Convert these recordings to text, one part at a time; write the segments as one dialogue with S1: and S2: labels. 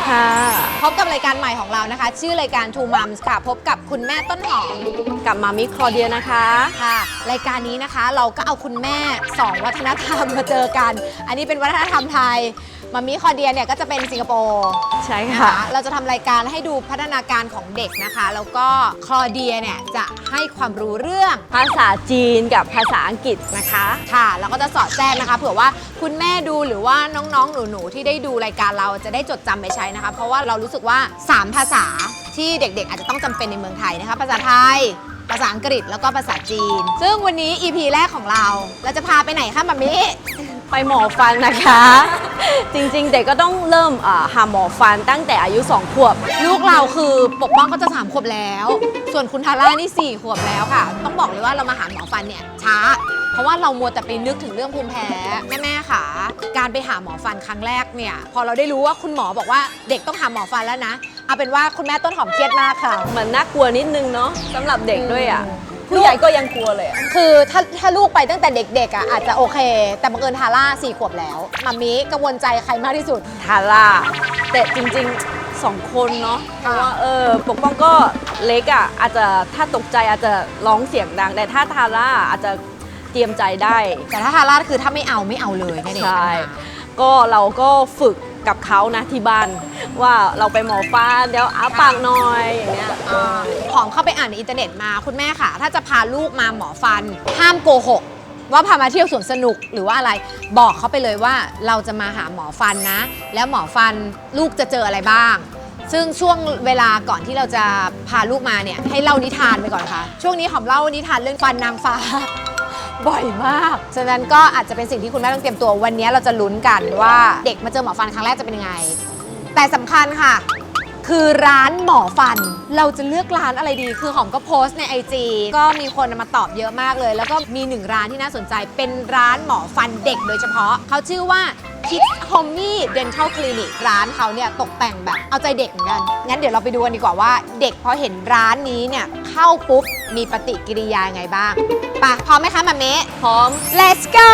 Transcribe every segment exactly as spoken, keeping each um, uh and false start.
S1: ค่ะ
S2: พบกับรายการใหม่ของเรานะคะชื่อรายการ Two Moms ค่ะพบกับคุณแม่ต้นหอม
S1: กับมามิคลอเดียนะคะ
S2: ค่ะรายการนี้นะคะเราก็เอาคุณแม่สองวัฒนธรรมมาเจอกันอันนี้เป็นวัฒนธรรมไทยมามิคลอเดียเนี่ยก็จะเป็นสิงคโปร์
S1: ใช่ค่ะ
S2: เราจะทำรายการให้ดูพัฒนาการของเด็กนะคะแล้วก็คลอเดียเนี่ยจะให้ความรู้เรื่อง
S1: ภาษาจีนกับภาษาอังกฤษนะคะ
S2: ค่ะแล้วก็จะสอดแทรกนะคะเผื่อว่าคุณแม่ดูหรือว่าน้องๆหนูๆที่ได้ดูรายการเราจะได้จดจำไปใช้นะคะเพราะว่าเรารู้สึกว่าสามภาษาที่เด็กๆอาจจะต้องจำเป็นในเมืองไทยนะคะภาษาไทยภาษาอังกฤษแล้วก็ภาษาจีนซึ่งวันนี้ อี พี แรกของเราเราจะพาไปไหนคะมัมมี่
S1: ไปหมอฟันนะคะจริงๆเด็กก็ต้องเริ่มหาหมอฟันตั้งแต่อายุสองขวบ
S2: ลูกเราคือปกป้องก็จะสามขวบแล้วส่วนคุณทาร่านี่สี่ขวบแล้วค่ะต้องบอกเลยว่าเรามาหาหมอฟันเนี่ยช้าเพราะว่าเรามัวแต่ไปนึกถึงเรื่องภูมิแพ้แม่ๆค่ะการไปหาหมอฟันครั้งแรกเนี่ยพอเราได้รู้ว่าคุณหมอบอกว่าเด็กต้องหาหมอฟันแล้วนะเอาเป็นว่าคุณแม่ต้นหอมเครียดมากค่ะ
S1: มันน่ากลัวนิดนึงเนาะสำหรับเด็กด้วยอ่ะผู้ใหญ่ก็ยังกลัวเลย
S2: คือถ้าถ้าลูกไปตั้งแต่เด็กๆอ่ะอาจจะโอเคแต่บังเอิญทาร่าสี่ขวบแล้วมัมมี่กังวลใจใครมากที่สุด
S1: ทาร่าแต่จริงๆสองคนเนาะเพราะว่าเออปกป้องก็เล็กอ่ะอาจจะถ้าตกใจอาจจะร้องเสียงดังแต่ถ้าทาร่าอาจจะเตรียมใจได้
S2: แต่ถ้าทาร่าคือถ้าไม่เอาไม่เอาเลยนี่
S1: ใช่ก็เราก็ฝึกกับเขานะที่บ้านว่าเราไปหมอฟันเดี๋ยวอ้าปากหน่อยอย่างเงี้ย
S2: หอมเข้าไปอ่านในอินเทอร์เน็ตมาคุณแม่ค่ะถ้าจะพาลูกมาหมอฟันห้ามโกหกว่าพามาเที่ยวสวนสนุกหรือว่าอะไรบอกเขาไปเลยว่าเราจะมาหาหมอฟันนะแล้วหมอฟันลูกจะเจออะไรบ้างซึ่งช่วงเวลาก่อนที่เราจะพาลูกมาเนี่ยให้เล่านิทานไปก่อนค่ะช่วงนี้หอมเล่านิทานเรื่องฟันนางฟ้าบ่อยมากฉะนั้นก็อาจจะเป็นสิ่งที่คุณแม่ต้องเตรียมตัววันนี้เราจะลุ้นกันว่าเด็กมาเจอหมอฟันครั้งแรกจะเป็นยังไงแต่สำคัญค่ะคือร้านหมอฟันเราจะเลือกร้านอะไรดีคือหอมก็โพสต์ใน ไอ จี ก็มีคนมาตอบเยอะมากเลยแล้วก็มีหนึ่งร้านที่น่าสนใจเป็นร้านหมอฟันเด็กโดยเฉพาะเขาชื่อว่า Kids Homey Dental Clinic ร้านเขาเนี่ยตกแต่งแบบเอาใจเด็กเหมือนกันงั้นเดี๋ยวเราไปดูกันดีกว่าว่าเด็กพอเห็นร้านนี้เนี่ยเข้าปุ๊บมีปฏิกิริยาไงบ้างไปพร้อมไหมคะมัมเมะ
S1: พร้อม
S2: Let's go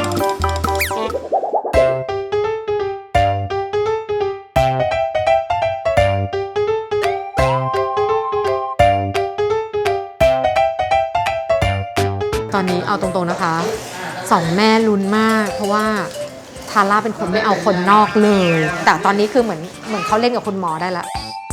S2: ตอนนี้เอาตรงๆนะคะสองแม่ลุ้นมากเพราะว่าทาร่าเป็นคนไม่เอาคนนอกเลยแต่ตอนนี้คือเหมือนเหมือนเขาเล่นกับคุณหมอได้ละ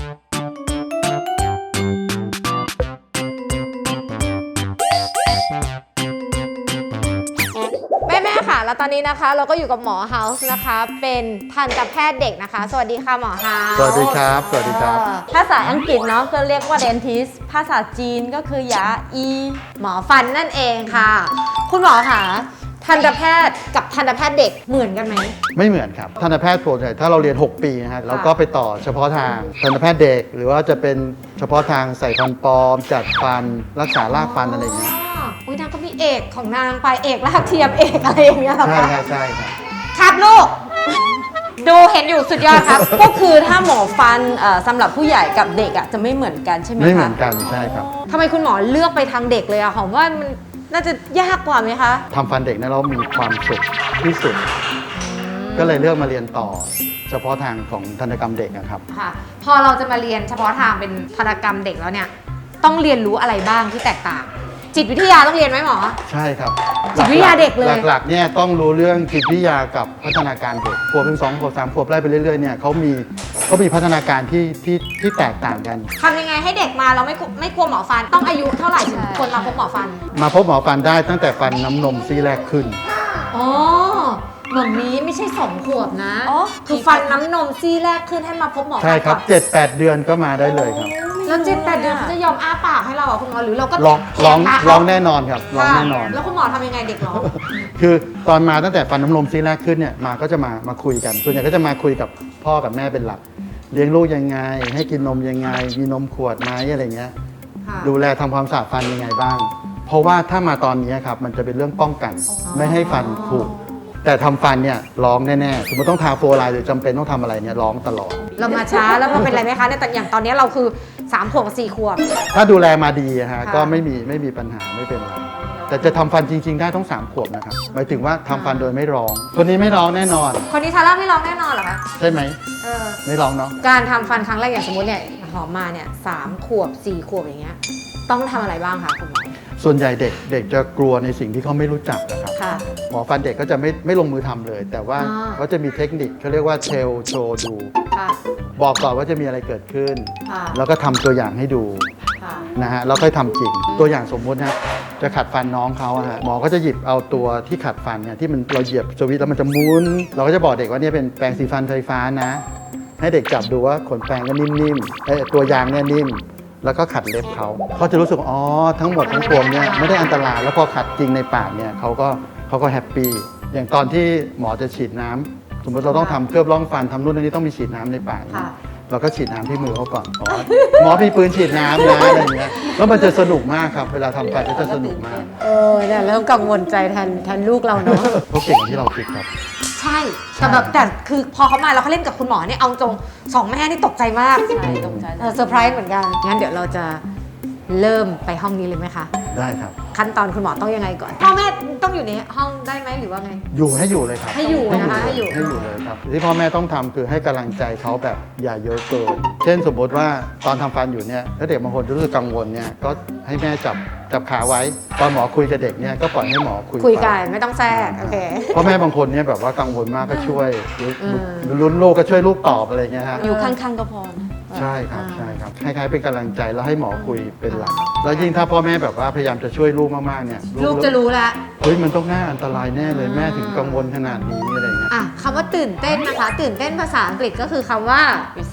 S2: แม่แม่ค่ะแล้วตอนนี้นะคะเราก็อยู่กับหมอเฮาส์นะคะเป็นทันตแพทย์เด็กนะคะสวัสดีค่ะหมอเฮาส์
S3: สวัสดีครับสวัสดีครับ
S1: ภาษาอังกฤษเนาะก็เรียกว่า dentist ภาษาจีนก็คือยาอี
S2: หมอฟันนั่นเองค่ะคุณหมอค่ะทันตแพทย์กับทันตแพทย์เด็กเหมือนกันไหม
S3: ไม่เหมือนครับทันตแพทย์ส่วนใหญ่ถ้าเราเรียนหกปีนะฮะเราก็ไปต่อเฉพาะทางทันตแพทย์เด็กหรือว่าจะเป็นเฉพาะทางใส่ฟันปลอมจัดฟันรักษารากฟันอะไรอย่างเงี้ย
S2: อุ้ยนางก็มีเอกของนางไปเอกรากเทียมเอกอะไรอย่างเงี้ย
S3: ใช่ใช่ใช่ครับ
S2: ครับลูกดูเห็นอยู่สุดยอดครับ
S1: ก็คือถ้าหมอฟันสำหรับผู้ใหญ่กับเด็กอ่ะจะไม่เหมือนกันใช่ไหมคะ
S3: ไม่เหมือนกันใช่ครับ
S2: ทำไมคุณหมอเลือกไปทางเด็กเลยอะหอมว่ามันน่าจะยากกว่าไหมคะ
S3: ทำฟันเด็กเนี่ยเรามีความสุขที่สุดก็เลยเลือกมาเรียนต่อเฉพาะทางของทันตกรรมเด็กนะครับ
S2: ค่ะพอเราจะมาเรียนเฉพาะทางเป็นทันตกรรมเด็กแล้วเนี่ยต้องเรียนรู้อะไรบ้างที่แตกต่างจิตวิทยาต้องเรียนไหมหมอ
S3: ใช่ครับ
S2: จิตวิทยาเด็กเลย
S3: หลักๆเนี่ยต้องรู้เรื่องจิตวิทยากับพัฒนาการเด็กขวบเป็นสองขวบสามขวบไล่ไปเรื่อยๆเนี่ยเขามีเขามีพัฒนาการที่ที่ที่แตกต่างกัน
S2: ทำยังไงให้เด็กมาเราไม่ไม่กลัวหมอฟันต้องอายุเท่าไหร่ถึงคนมาพบหมอฟัน
S3: มาพบหมอฟันได้ตั้งแต่ฟันน้ำนมซี่แรกขึ้น
S2: อ๋อเหมือนนี้ไม่ใช่สองขวบนะคือฟันน้ำนมซี่แรกขึ้นให้มาพบหมอ
S3: ใช่ครับเจ็ดแปดเดือนก็มาได้เลยครับ
S2: แล้วเจ็ดแปดเดือนเขาจะยอมอ้าปากให้เราอ่ะคุณหมอหรือเราก็
S3: ร้องร้องร้องแน่นอนครับร้องแน่นอน
S2: แล้วคุณหมอทำยังไงเด็กร้อง
S3: คือตอนมาตั้งแต่ฟันน้ำนมซี่แรกขึ้นเนี่ยมาก็จะมามาคุยกันส่วนใหญ่ก็จะมาคุยกับพ่อกับแม่เป็นหลักเลี้ยงลูกยังไงให้กินนมยังไงมีนมขวดไหมอะไรเงี้ยดูแลทำความสะอาดฟันยังไงบ้างเพราะว่าถ้ามาตอนนี้ครับมันจะเป็นเรื่องป้องกันไม่ให้ฟันผุแต่ทำฟันเนี่ยร้องแน่ๆสมมติต้องทาโฟร์ไลน์หรือจำเป็นต้องทำอะไรเนี่ยร้องตลอด
S2: เรามาช้าแล้วมันเป็นไรไหมคะในแต่อย่างตอนนี้เราคือสามขวบกับสี่ขวบ
S3: ถ้าดูแลมาดีฮะก็ไม่มีไม่มีปัญหาไม่เป็นไรแต่จะทำฟันจริง ๆ ได้ต้องสามขวบนะครับหมายถึงว่าทำฟันโดยไม่ร้องคนนี้ไม่ร้องแน่นอน
S2: คนนี้ทาร่าไม่ร้องแน่นอนเหรอคะ
S3: ใช่ไหม
S2: เออ
S3: ไม่ร้องเนาะ
S2: การทำฟันครั้งแรกอย่างสมมติเนี่ยหอมมาเนี่ยสามขวบสี่ขวบอย่างเงี้ยต้องทำอะไรบ้างคะคุณหมอ
S3: ส่วนใหญ่เด็กเด็กจะกลัวในสิ่งที่เขาไม่รู้จักนะครับ
S2: ค่ะ
S3: หมอฟันเด็กก็จะไม่ไม่ลงมือทำเลย แต่ว่า
S2: อ่า
S3: เขาจะมีเทคนิคเขาเรียกว่าเทลโชว์ดู
S2: ค่ะ
S3: บอกก่อนว่าจะมีอะไรเกิดขึ้น
S2: ค่ะ
S3: แล้วก็ทำตัวอย่างให้ดู
S2: ค่ะ
S3: นะฮะแล้วค่อยทำจริง ตัวอย่างสมมุตินะจะขัดฟันน้องเขาอะฮะหมอก็จะหยิบเอาตัวที่ขัดฟันเนี่ยที่มันเราเหยียบสวิตช์แล้วมันจะหมุนเราก็จะบอกเด็กว่าเนี่ยเป็นแปรงสีฟันไฟฟ้านะ ให้เด็กจับดูว่าขนแปรงก็นิ่มๆเอ้ยตัวยางเนี่ยนิ่ม แล้วก็ขัดเล็บเขาเขาจะรู้สึกว่าอ๋อทั้งหมดทั้งปวงเนี่ยไม่ได้อันตรายแล้วพอขัดจริงในปากเนี่ยเขาก็เขาก็แฮปปี้อย่างตอนที่หมอจะฉีดน้ำสมมติเราต้องทำเคลือบร่องฟันทำนู่นนี่ต้องมีฉีดน้ำในปากเนี่ย
S2: ค่ะ
S3: เราก็ฉีดน้ำที่มือเขาก่อนอ๋อหมอมีปืนฉีดน้ำนะอะไรอย่างเงี้ยแล้วมันจะสนุกมากครับ เวลาทำฟันก็จะสนุกมาก
S2: เออเนี่ยเริ่มกังวลใจแทนแทนลูกเราเนาะ
S3: เขาเก่งที่เราคิดครับ
S2: ใช่แต่แบบแต่คือพอเขามาแล้วเขาเล่นกับคุณหมอเนี่ยเอาตรงสองแม่นี่ตกใจมาก
S1: ใช่ตกใจ
S2: เออเซอร์ไพรส์เหมือนกันงั้นเดี๋ยวเราจะเริ่มไปห้องนี้เลยไหมคะ
S3: ได้ครับ
S2: ขั้นตอนคุณหมอต้องยังไงก่อนพ่อแม่ต้องอยู่ในห้องได้ไหมหรือว่าไง
S3: อยู่ให้อยู่เลยครับ
S2: ให้อยู่นะคะให้อยู่
S3: ให้อยู่เลยครับที่พ่อแม่ต้องทำคือให้กำลังใจเขาแบบอย่าเยอะเกินเช่นสมมติว่าตอนทำฟันอยู่เนี่ยถ้าเด็กบางคนรู้สึกกังวลเนี่ยก็ให้แม่จับจับขาไว้ ตอนหมอคุยกับเด็กเนี่ยก็ปล่อยให้หมอคุย
S2: คุยกัน
S3: ไป
S2: ไม่ต้องแทรกโอเค
S3: พ่อแม่บางคนเนี่ยแบบว่ากังวลมากก็ช่วยหรือ
S2: อืม
S3: หรือลุ้นลูกก็ช่วยลูกตอบอะไรเงี้ยฮะ
S1: อยู่ข้างๆก็พอนะ
S3: ใช่ครับ
S2: อ่า
S3: ใช่ครับคล้ายๆเป็นกำลังใจแล้วให้หมอคุยเป็นหลักแล้วยิ่งถ้าพ่อแม่แบบว่าพยายามจะช่วยลูกมากๆเนี่ย
S2: ลูกจะรู้ละ
S3: เฮ้ยมันต้องน่าอันตรายแน่เลย
S2: อ่า
S3: แม่ถึงกังวลขนาดนี้อะไรเงี้ย
S2: อ่ะคำว่าตื่นเต้นนะคะ ตื่นเต้นภาษาอังกฤษก็คือคำว่า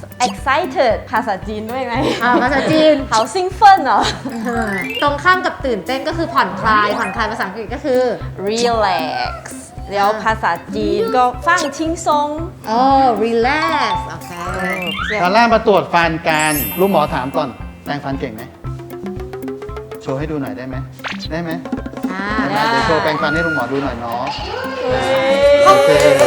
S1: excited ภาษาจีนด้วยไหม
S2: อ่าภาษาจีน
S1: 好兴奋เหรอ
S2: ตรงข้ามกับตื่นเต้นก็คือผ่อนคลาย ผ่อนคลายภาษาอังกฤษก็คือ
S1: relax แล้วภาษาจีนก็ฟังชิงซง
S2: โอ้ relax โอเค
S3: ตอนแรกมาตรวจฟันกันลูกหมอถามก่อนแปรงฟันเก่งไหมโชว์ให้ดูหน่อยได้ไหมได้ไหม
S2: อ่า
S3: ได้ไหมเดี๋ยวโชว์แปรงฟันให้ลุงหมอดูหน่อยเนาะ
S1: โอ
S3: เค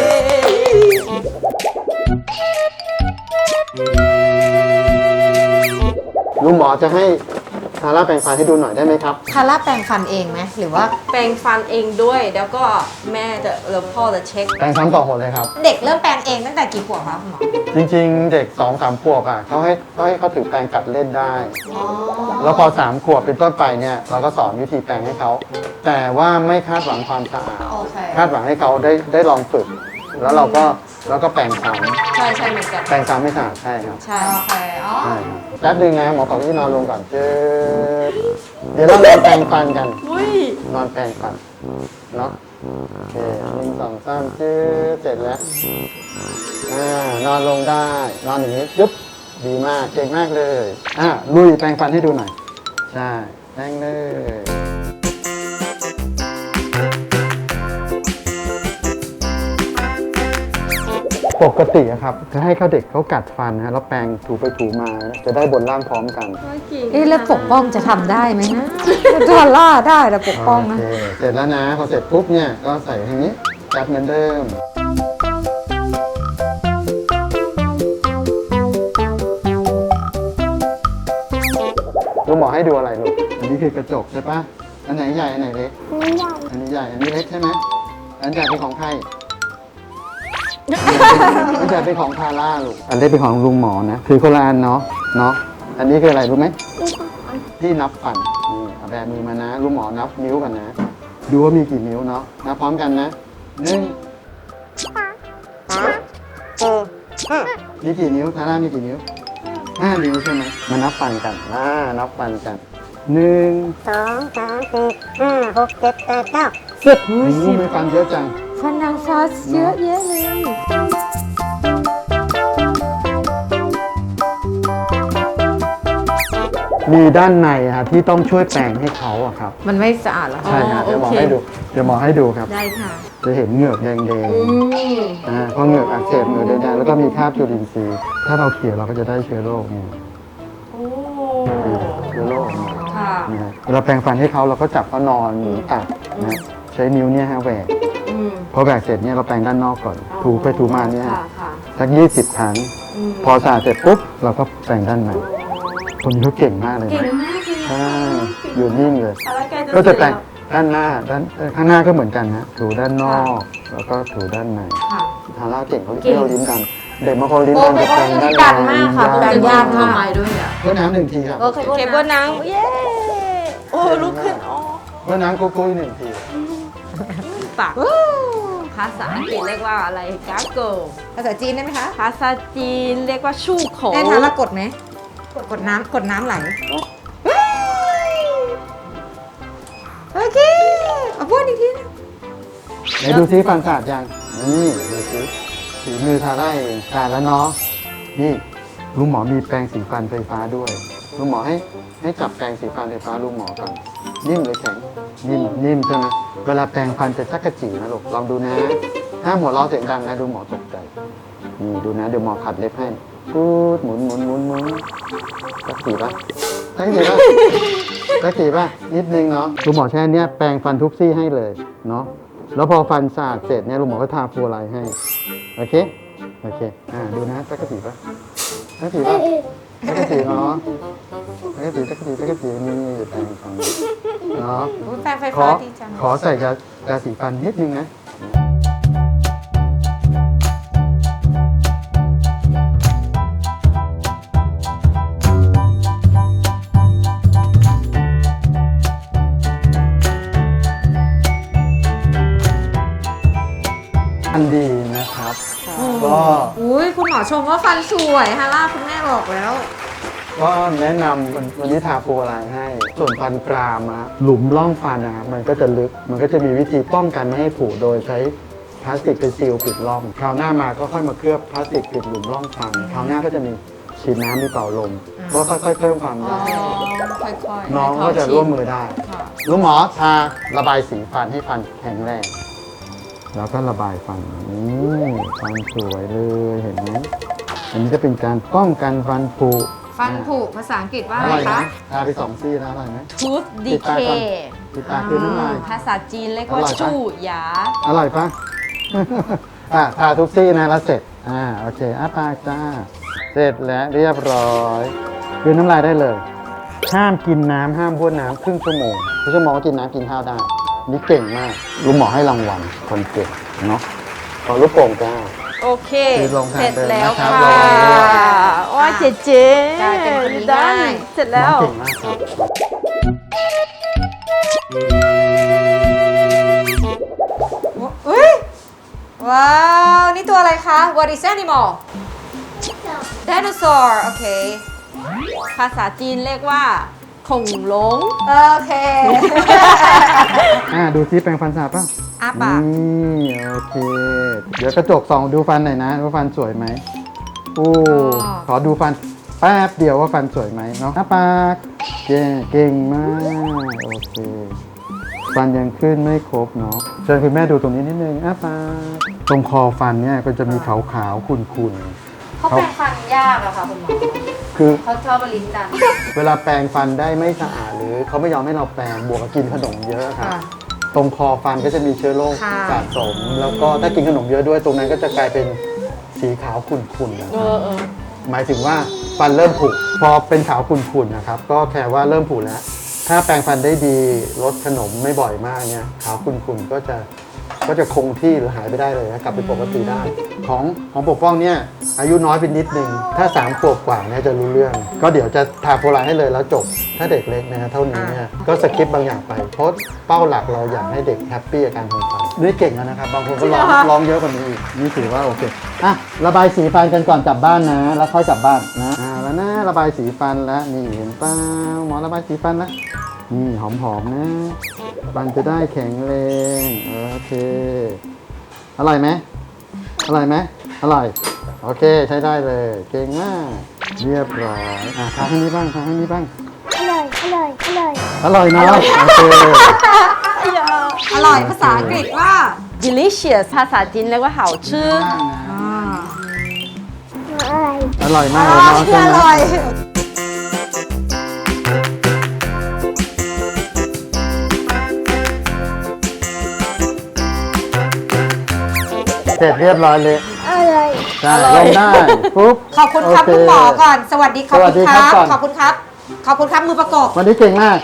S3: ลุงหมอจะให้ซาร่าแปรงฟันให้ดูหน่อยได้ไหมครับ
S2: คาร่าแปรงฟันเองไหมหรือว่า
S1: แปรงฟันเองด้วย แล้วก็แม่จะแล้วพ่อจะเช็ค
S3: แปรงซ้ำต่อหนเลยครับ
S2: เด็กเริ่มแปรงเองตั้งแต่กี่ขวบคะคุณหมอ
S3: จริงๆ เด็กสองสามขวบอ่ะเขาให้เขาให้เขาถือแปรงกัดเล่นได้
S2: อ๋อ
S3: แล้วพอสามขวบเป็นต้นไปเนี่ยเราก็สอนวิธีแปรงให้เขาแต่ว่าไม่คาดหวังความสะอาด
S2: โอเค
S3: คาดหวังให้เขาได้ได้ลองฝึก แล้วเราก็แล้วก็แปรงซ้
S1: ใช่ใช่เหมือนกัน
S3: ำแปรงซ้ำไม่สะอาดใช่ครับ
S1: ใช่
S2: โอเคอ๋อ
S3: ใช่ครับแป๊บนึงนะหมอขอที่นอนลงก่อนเจอเดี๋ยวเรานอนแปรงฟันกัน
S1: อุ้ย
S3: นอนแปรงฟันเนาะโอเคหนึ่งสองสามเจอเสร็จแล้วอ่านอนลงได้นอนอย่างนี้ยุบดีมากเก่งมากเลยอ่าลุยแปรงฟันให้ดูหน่อยใช่แปรงเลยปกติอะครับจะให้เขาเด็กเขากัดฟันนะแล้วแปรงถูไปถูมาจะได้บนล่างพร้อมกัน
S2: เอ๊ะแล้วปกป้องจะทำได้ไหมนะคาร่าได้แต่ปกป้องนะ
S3: โอเคเสร็จแล้วนะพอเสร็จปุ๊บเนี่ยก็ใส่ทางนี้จับเหมือนเดิมลุงหมอให้ดูอะไรลูกอันนี้คือกระจกใช่ปะอันไหนใหญ่อันไหนเล็กอันนี้ใหญ่อันนี้เล็กใช่ไหมอันใหญ่เป็นของใครอันใหญ่เป็นของทาร่าลูกอันเล็กเป็นของลุงหมอนะคือคนละอันเนาะเนาะอันนี้คืออะไรรู้ไหมที่นับฟันนี่เอาแบมือมานะลุงหมอนับนิ้วกันนะ ดูว่ามีกี่นิ้วเนาะนับพร้อมกันนะหนึ่งมีกี่นิ้วทาร่ามีกี่นิ้วห้านิ้วใช่ไหมมานับฟันกันอ่านับฟันกันหนึ่ง
S4: สองสามสี่ห้าหกเจ็ดแปดเก้า
S3: สิบนิ้วไม่ฟันเยอะจัง
S2: ฟันนางฟ้าเยอะแยะเลย
S3: มีด้านในอะที่ต้องช่วยแปรงให้เขาอะครับ
S2: มันไม่สะอาดเหรอ
S3: ใช่ครับ
S1: อ๋อ
S3: เดี๋ยวหมอ
S1: โอเค
S3: ให้ดูเดี๋ยวหมอให้ดูครับ
S1: ได้ค่ะ
S3: จะเห็นเหงือกแดง
S1: อืม
S3: ๆอ่าเพราะเหงือกอักเสบเหงือกแดงๆแล้วก็มีคราบจุลินทรีย์ถ้าเราเขี่ยเราก็จะได้เชื้อโรคนี่
S1: โอ้
S3: เชื้อโรคนี่
S1: ค่ะ
S3: นะฮะเวลาแปรงฟันให้เขาเราก็จับเขานอนหรือตักนะใช้นิ้วเนี่ยฮะแหวก
S1: อืม
S3: พอแหวกเสร็จเนี่ยเราแปรงด้านนอกก่อน ถูไปถูมาเนี่ย
S1: ค่ะค่ะ
S3: สักยี่สิบครั้ง
S1: อืม
S3: พอสะอาดเสร็จปุ๊บเราก็แปรงด้านในคนนี้เขาเก่งมากเลย
S1: เก่
S3: นะ
S1: งมากเลย
S3: ใช่อยู่นิ่งเลย
S1: อะไรใกล้
S3: ก็จะแปรง
S1: เส
S3: ด้านหน้าด้านเอ่อข้างหน้าก็เหมือนกันนะถูด้านนอก แล้วก็ถูด้านใน
S2: ค่ะ
S3: ทาร่าเก่งเขาเที่ยวลิ้นกัน เด็กบางคนลิ้น
S2: โอ้
S3: กัน
S2: โห
S3: จะแปลงด้าน
S2: ลิ้นกันมากค่ะ
S3: ลิ้น
S1: จะ
S3: ย
S1: ยาก
S3: ก
S1: เข้าไปด้วยอ่ะ
S3: เพื่อน้ำหนึ่งทีครับ
S2: โอเค
S1: เคเบิลนังเย้โอ้ลุกขึ้นอ๋อ
S3: เพื่อน้ำกุ้ยๆหนึ่งที
S1: ปากภาษาอังกฤษเรียกว่าอะไรกาโก
S2: ภาษาจีนได้ไหมคะ
S1: ภาษาจีนเรียกว่าชู่โข
S2: แม่ทาร่ากดไหมกดกดน้ำกดน้ำไหลโอเคเอาพูดอีกทีนะ
S3: ไหนดูซิฟันสะอาดยังนี่ดูซิฝีมือทาร่าเองสะอาดแล้วเนาะนี่ลุงหมอมีแปรงสีฟันไฟฟ้าด้วยลุงหมอให้ให้จับแปรงสีฟันไฟฟ้าลุงหมอก่อนนิ่มหรือแข็งนิ่มนิ่มใช่ไหมเวลาแปรงฟันจะชักกระจีนะลูกลองดูนะถ้าหัวเราะเสียงดังนะดูหมอตกใจนี่ดูนะเดี๋ยวหมอขัดเล็บให้พูดหมุนหมุนหมุนหมุนสักทีปะสักทีปะสักทีปะนิดนึงเนาะลุงหมอใช้อันเนี้ยแปรงฟันทุกซี่ให้เลยเนาะแล้วพอฟันสะอาดเสร็จเนี่ยลุงหมอก็ทาฟลูออไรด์ให้โอเคโอเคอ่าดูนะสักทีปะสักทีปะสักทีเนาะสักทีสักทีสักทีนี่แปรงฟันเนาะ
S2: อุ๊ยแปรงไฟ
S3: ข
S2: ฟ้า
S3: อ
S2: ดีจัง
S3: ขอใส่ยายาสีฟันนิดนึงนะอันดีนะครับ ก็
S2: อุ้ยคุณหมอชมว่าฟันสวยฮาร่าคุณแม่บอกแล้ว
S3: ก็แนะนำวันวันนี้ทาฟลูออไรด์ให้ ส่วนฟันกรามอะหลุมร่องฟันนะครับมันก็จะลึก มันก็จะมีวิธีป้องกันไม่ให้ผุโดยใช้พลาสติกเป็นซีลปิดร่อง คราวหน้ามาก็ค่อยมาเคลือบพลาสติกปิดหลุมร่องฟัน คราวหน้าก็จะมีฉีดน้ำมีเป่าลมก็ค่อยๆเพิ่มความ
S2: อ๋อ
S3: ยาว
S2: ค่อยๆ
S3: น้องก็จะร่วมมือได้
S2: ค่ะ
S3: ลุงหมอทาระบายสีฟันให้ฟันแข็งแรง แล้วก็ระบายฟันนี่ฟันสวยเลยเห็นไหมอันนี้จะเป็นการป้องกันฟันผุ
S2: ฟันผุภาษาอังกฤษว่า
S3: อ
S2: อะไร
S3: ร่อย
S2: คะ
S3: นะทาไปสองซี่แล้วอร่อยไหม
S1: ทูธดี
S3: ปิด
S1: เค
S3: ตาก่อน ปิดตาคือน้ำลาย
S1: ภาษาจีนเรียกว่า
S3: อร่อยปะ
S1: ชู่หยา
S3: อร่อยปะ อ่ะทาทุกซี่นะแล้วเสร็จอ่าโอเคอ้าปากจ้าเสร็จแล้วเรียบร้อยคือน้ำลายได้เลย ห้ามกินน้ำห้ามบ้วนน้ำครึ่งชั่วโมงครึ่งชั่วโมงก็กินน้ำกินข้าวได้ นี่เก่งมากลุงหมอให้รางวัลคนเก่งเนาะขอลูกโป่งจ้า
S1: โอเค
S3: คือลงทาง
S1: เสร็จ
S3: เดิน
S1: แล้ว
S3: นะครับ
S1: ค่ะ
S3: ลง
S1: ว่าเจ๊เจ๊
S2: กลายเป็นคนนี้
S1: ได้
S2: ได้
S1: เสร็จแล้ว
S3: น้องเก่งมากครับ
S2: อุ้ยว้าว นี่ตัวอะไรคะ What is animal dinosaur โอเค
S1: ภาษาจีนเรียกว่าขงหลง
S2: โอเค
S3: อ่าดูซิแปรงฟันสะอาดป่ะ
S2: อ้าปาก
S3: นี่โอเค เดี๋ยวกระจกส่องดูฟันหน่อยนะว่าฟันสวยไหมโอ้ขอดูฟันแป๊บเดียวว่าฟันสวยไหมเนาะอ้าปากเก่งเก่งมากโอเค ฟันยังขึ้นไม่ครบเนาะเชิญคุณแม่ดูตรงนี้นิดนึงอ้าปากตรงคอฟันเนี่ยก็จะมีขาวๆขุ่นๆ
S2: เขาแปรงฟันยากอะค่ะคุณหมอ
S3: คือ
S2: เขาชอบลิ้นจัน
S3: เวลาแปรงฟันได้ไม่สะอาดหรือเขาไม่ยอมให้เราแปรงบวกกับกินขนมเยอะครับ
S2: ค่ะ
S3: ตรงคอฟันก็จะมีเชื้อโรค
S2: ค่ะ
S3: สะสม แล้วก็ถ้ากินขนมเยอะด้วยตรงนั้นก็จะกลายเป็นสีขาวขุ่นๆนะ
S1: เอ
S3: ครับ
S1: อเออ
S3: หมายถึงว่าฟันเริ่มผุพอเป็นขาวขุ่นๆนะครับก็แค่ว่าเริ่มผุแล้ว ถ้าแปรงฟันได้ดีลดขนมไม่บ่อยมากเนี่ยขาวขุ่นๆก็จะก็จะคงที่หรือหายไปได้เลยนะกลับไปปกติได้ ของของปกป้องเนี่ยอายุน้อยไปนิดนึงถ้าสามขวบกว่าเนี่ยจะรู้เรื่อง ก็เดี๋ยวจะทาโฟลาร์ให้เลยแล้วจบ ถ้าเด็กเล็กนะฮะเท่านี้เนี่ยก็สกิปบางอย่างไปเพราะเป้าหลักเราอยากให้เด็กแฮปปี้กับการทำฟันนี่เก่งแล้วนะครับบางคนก็ร้องร้องเยอะกว่านี้อีกนี่ถือว่าโอเคอ่ะระบายสีฟันกันก่อนกลับบ้านนะ แล้วค่อยกลับบ้านนะอ่าแล้วนะระบายสีฟันแล้วนี่เห็นเปล่าหมอระบายสีฟันแล้วนี่หอมๆนะฟันจะได้แข็งแรงโอเคอร่อยไหมอร่อยไหมอร่อยโอเคใช้ได้เลยเก่งมากเรียบร้อยอ่ะทาให้นี้บ้างทาให้นี้บ้าง
S4: อร่อย อร่อย อร่อย
S3: อร่อยเนาะโอเค
S2: อร่อยภาษาอังกฤษว่า
S1: delicious ภาษาจีนเรียกว่า好吃
S4: อร่อย
S3: อร่อยมากเลยเนาะใช่
S2: อ
S3: ไหม
S2: ร่อย
S3: เสร็จเรียบร้อยเลย
S4: อร่อย
S3: ใช่ลงได้ปุ๊บ
S2: ขอบคุณครับ
S3: โเ
S2: คุณหมอก่อน สวัสดีขอบ
S3: สวั
S2: คุ
S3: สดี
S2: ณ
S3: ค
S2: ค
S3: รั
S2: รั
S3: บบ ก่อน
S2: ขอบคุณครับ ขอบคุณครับมือประกบ
S3: วันนี้เก่งมาก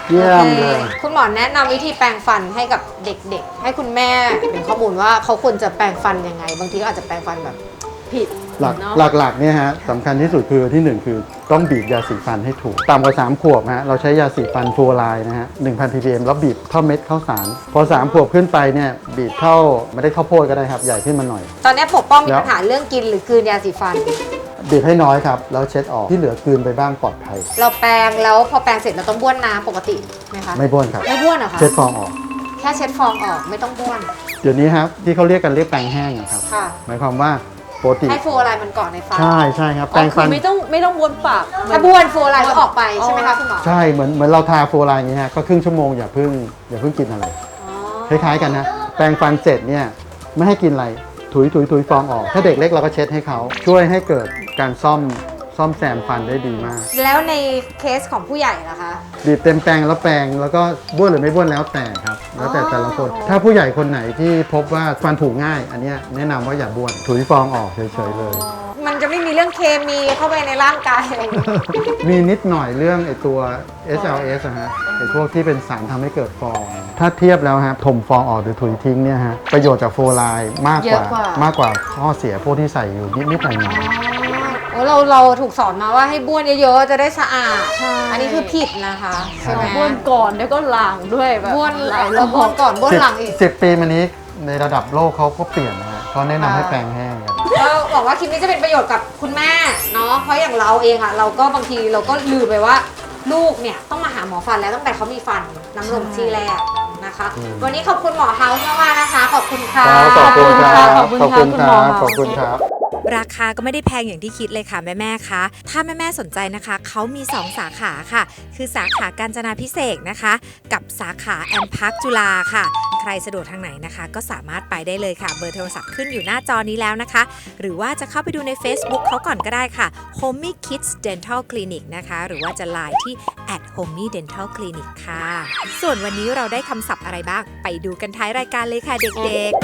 S3: เยี่ยมเลย
S2: โอคคุณหมอแนะนำวิธีแปรงฟันให้กับเด็กๆ ให้คุณแม่เป็นข้อมูลว่าเขาควรจะแปรงฟันยังไง บางทีก็อาจจะแปรงฟันแบบ
S1: ผิด
S3: หลัก
S1: เนาะ
S3: หลักๆเนี่ยฮะสำคัญที่สุดคือที่หนึ่งคือต้องบีบยาสีฟันให้ถูกต่ำกว่าสามขวบฮะเราใช้ยาสีฟันฟลูออไรด์นะฮะหนึ่งพัน พี พี เอ็ม แล้วบีบเท่าเม็ดข้าวสารพอสามขวบขึ้นไปเนี่ยบีบเท่าไม่ได้ข้าวโพดก็ได้ครับใหญ่ขึ้นมาหน่อย
S2: ตอนนี้ปกป้องมี
S3: แล้ว
S2: ปัญหาเรื่องกินหรือกลืนยาสีฟัน
S3: บีบให้น้อยครับแล้วเช็ดออกที่เหลือกลืนไปบ้างปลอดภัย
S2: เราแปรงแล้วพอแปรงเสร็จเราต้องบ้วนน้ำปกติไหมคะ
S3: ไม่บ้วนครับ
S2: ไม่บ้วนเหรอคะ
S3: เช็ดฟองออก
S2: แค่เช็ดฟองออกไม่ต้องบ้วน
S3: เดี๋ยวนี้ครับที่เขาเรียกกันเรียกแปรงแห้งอะครับ
S2: ค่ะ
S3: หมายความว่าปกติ
S2: ให้ฟลูออไรด์มันเกาะในฟัน
S3: ใช่ใช่ครับแป
S1: อ๋
S3: ร
S1: อง คื
S3: ฟั
S1: อน ไม่ต้องไม่ต้องวนปาก
S2: ถ้าบ้วนฟลูออไรด์ก็ออกไปใช่ไหมคะคุณหมอ
S3: ใช่เหมือนเหมือนเราทาฟลูออไรด์อย่างนี้ฮะก็ครึ่งชั่วโมงอย่าเพิ่งอย่าเพิ่งกินอะไร
S2: อ๋อ
S3: คล้ายๆกันนะแปรงฟันเสร็จเนี่ยไม่ให้กินอะไรถุยถุยถุยฟองออก ถ้าเด็กเล็กเราก็เช็ดให้เขาช่วยให้เกิดการซ่อมซ่อมแซมฟันได้ดีมาก
S2: แล้วในเคสของผู้ใหญ่ล่ะคะ
S3: บีบเต็มแปรงแล้วแปรงแล้วก็บ้วนหรือไม่บ้วนแล้วแต่ครับ แล้วแต่แต่ละคน ถ้าผู้ใหญ่คนไหนที่พบว่าฟันผุง่าย อันเนี้ยแนะนำว่าอย่าบ้วนถุยฟองออกเฉยๆเลย
S2: มันจะไม่มีเรื่องเคมีเข้าไปในร่างกายอะไรอย่างเงี้ย
S3: มีนิดหน่อยเรื่องไอตัว เอส แอล เอส อะฮะไอพวกที่เป็นสารทำให้เกิดฟอง ถ้าเทียบแล้วฮะถมฟองออกหรือถุยทิ้งเนี่ยฮะประโยชน์จากฟลูออไรด์มากกว่า
S2: เยอะกว่า
S3: มากกว่าข้อเสียพวกที่ใส่อยู่นิดๆหน่อย
S2: โอ้เราเราถูกสอนมาว่าให้บ้วนเยอะๆจะได้สะอาด
S1: ใช่
S2: อันนี้คือผิดนะคะใช่ไหม
S1: บ้วนก่อนแล้วก็ล้างด้วยแบบ
S2: บ้วน
S1: หลายร
S2: แล้ว
S1: อ
S2: บ้วน
S1: บ
S2: ก่อนบ้วน
S3: สิบ
S2: หลังอีก
S3: สิบปีมานี้ในระดับโลกเขาก็เปลี่ยนนะฮะเขาแนะนำให้
S2: อ่า
S3: แปรงแห้งกัน
S2: เราบอกว่าคลิปนี้จะเป็นประโยชน์กับคุณแม่เนาะเพราะอย่างเราเองอะเราก็บางทีเราก็ลืมไปว่าลูกเนี่ยต้องมาหาหมอฟันแล้วตั้งแต่เขามีฟันน้ำนมที่แรกนะคะ
S3: อืม
S2: วันนี้ขอบคุณหมอเฮาส์มากๆนะคะ ขอบคุณค่ะ
S3: ขอบคุณครับ
S1: ขอบคุณ
S3: ขอบ
S1: ค่ะ
S3: คุณ
S1: คุณ
S3: ค
S1: หม
S3: รั
S1: อบ
S3: ขอบคุณครับ
S5: ราคาก็ไม่ได้แพงอย่างที่คิดเลยค่ะแม่ๆ คะ ถ้าแม่ๆ สนใจนะคะ เขามี สอง สาขาค่ะ คือสาขากาญจนาพิเศษกนะคะ กับสาขาแอมพาร์คจุฬาค่ะ ใครสะดวกทางไหนนะคะ ก็สามารถไปได้เลยค่ะ เบอร์โทรศัพท์ขึ้นอยู่หน้าจอนี้แล้วนะคะ หรือว่าจะเข้าไปดูใน Facebook เขาก่อนก็ได้ค่ะ Homey Kids Dental Clinic นะคะ หรือว่าจะไลน์ที่ แอท homey dental clinic ค่ะ ส่วนวันนี้เราได้คำศัพท์อะไรบ้าง ไปดูกันท้ายรายการเลยค่ะเด็กๆ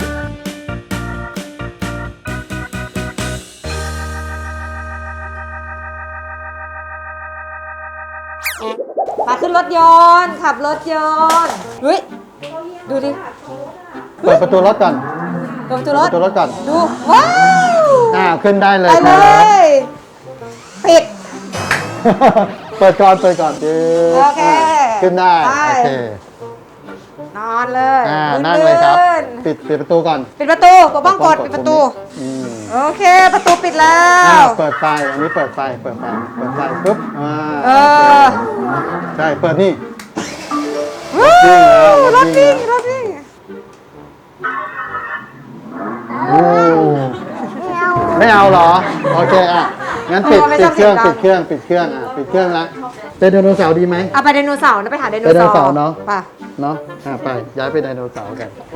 S2: มาขึ้นรถยนต์ขับรถยนต์เฮ้ยดูดิ
S3: เปิดประตูรถก่อน
S2: เปิดประตู
S3: เปิ
S2: ร
S3: ด
S2: ถ
S3: ประตูรถก่อน
S2: ดูว้าว
S3: อ่าขึ้นได้เลย
S2: ไป
S3: ค
S2: เล
S3: รับ
S2: ยปิด
S3: เปิดก่อนเปิดก่อนจึ๊บ
S2: โอเค
S3: ขึ้นได้
S2: ไป
S3: โอเคน
S2: อนเลย
S3: อ่านั่งเลยครับ
S2: ลื่น
S3: ปิดปิดประตูก่อน
S2: ปิดประตูปกป้องกดปิดประตู
S3: อืม
S2: โอเค ประตูปิดแล้
S3: อ่าว เปิดไฟอันนี้เปิดไฟเปิดไฟเปิดไฟปุ๊บอ่า
S2: เออ
S3: ใช่เปิดนี่
S2: วู้
S3: รถวิ่งแล้ว
S2: รถวิ่ง
S3: โอ้ไม่เอาเหรอโอเคอ่ะงั้นปิดปิดเครื่องปิดเครื่องปิดเครื่องอ่ะปิดเครื่องละเป็นไดโนเสาร์ดีไหม
S2: เอาไปไดโนเสาร์นะไปหาไดโน
S3: ไดโน
S2: เสาร์
S3: เสาร์เนอะ
S2: ไป
S3: เนาะอ่ะไปย้ายไปไดโนเสาร์กัน